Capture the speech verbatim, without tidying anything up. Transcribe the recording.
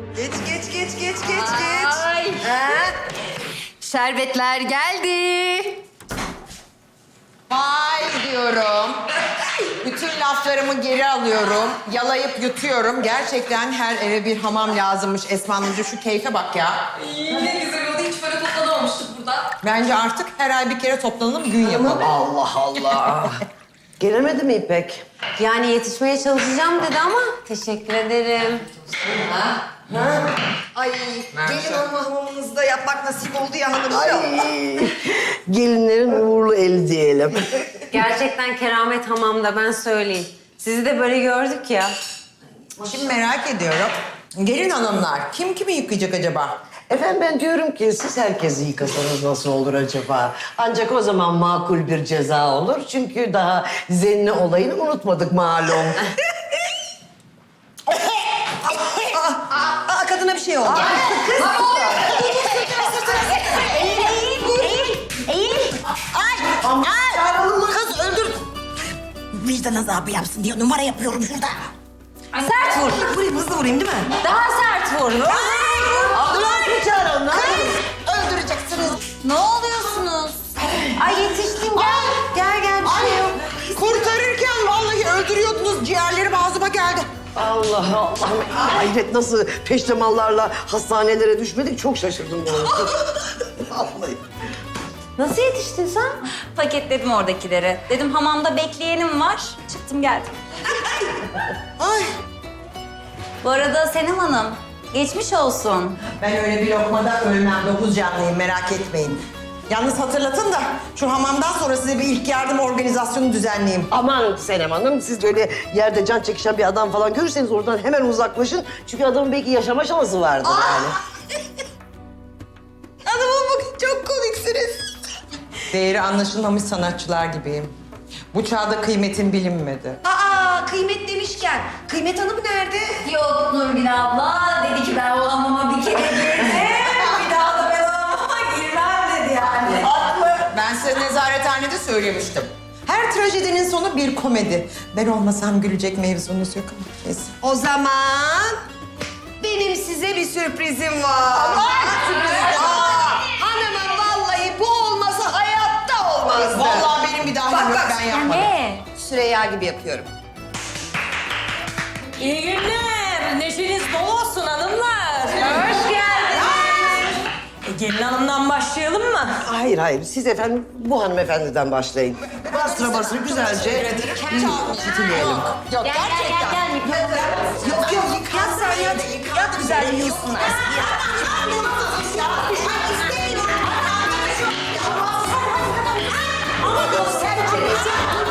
Geç, geç, geç, geç, geç, geç. Ay. Ha? Şerbetler geldi. Vay diyorum. Bütün laflarımı geri alıyorum. Yalayıp yutuyorum. Gerçekten her eve bir hamam lazımmış Esma Hanımcığım. Şu keyfe bak ya. Ne güzel oldu. Hiç böyle toplanamamıştık burada. Bence artık her ay bir kere toplanalım, gün yapalım. Allah Allah. Gelemedi mi İpek? Yani yetişmeye çalışacağım dedi ama teşekkür ederim. Ay, gelin olma hamamınızda yapmak nasip oldu ya hanımcığım. Ay, gelinlerin uğurlu eli diyelim. Gerçekten keramet hamamda ben söyleyeyim. Sizi de böyle gördük ya. Şimdi merak ediyorum. Gelin hanımlar, kim kimi yıkayacak acaba? Efendim ben diyorum ki siz herkesi yıkasanız nasıl olur acaba? Ancak o zaman makul bir ceza olur. Çünkü daha zenne olayını unutmadık malum. Aa, kadına bir şey oldu. Kız öldür. Vicdan azabı yapsın diye numara yapıyorum şurada. Sert vur. Vurayım, hızlı vurayım değil mi? Daha sert vur. Ambulans mı çağıralım lan? Öldüreceksiniz. Ne oluyorsunuz? Ay yetiştim gel. Gel gel bir şey yok. Kurtarırken vallahi öldürüyordunuz. Ciğerlerim ağzıma geldi. Allah Allah. Hayret nasıl peştemallarla hastanelere düşmedik çok şaşırdım doğrusu. Vallahi. Nasıl yetiştin sen? Paketledim oradakileri. Dedim hamamda bekleyenim var. Çıktım geldim. Ay, Bu arada Senem Hanım, geçmiş olsun. ben öyle bir lokmada ölmem. Dokuz canlıyım, merak etmeyin. Yalnız hatırlatın da şu hamamdan sonra size bir ilk yardım organizasyonu düzenleyeyim. Aman Senem Hanım siz öyle yerde can çekişen bir adam falan görürseniz oradan hemen uzaklaşın. Çünkü adamın belki yaşama şansı vardır yani. Adamım bugün çok komiksiniz. Değeri anlaşılmamış sanatçılar gibiyim. Bu çağda kıymetim bilinmedi. Aa, kıymet demişken, Kıymet Hanım nerede? Yok Nurgül abla, dedi ki ben o hamama bir kere girdim. Bir daha da ben o hamama girmem dedi yani. Ben size nezarethanede söylemiştim. Her trajedinin sonu bir komedi. Ben olmasam gülecek mevzunuz yok ama neyse. O zaman benim size bir sürprizim var. Aa, hanımım vallahi bu olmasa hayatta olmazdı. Vallahi benim bir daha Bak, yok, bak. ben yapmadım. Ne? Süreyya gibi yapıyorum. İyi günler. Neşeniz bol olsun hanımlar. Hoş geldin. E, gelin hanımdan başlayalım mı? Hayır hayır siz efendim bu hanımefendiden başlayın. Bastıra bastıra güzelce titileyelim. Yok Gel gel gel gel mikrofonu. Yok yok yıkat sen yat. Yat güzel yiyorsunlar. Ama göstereceğiz.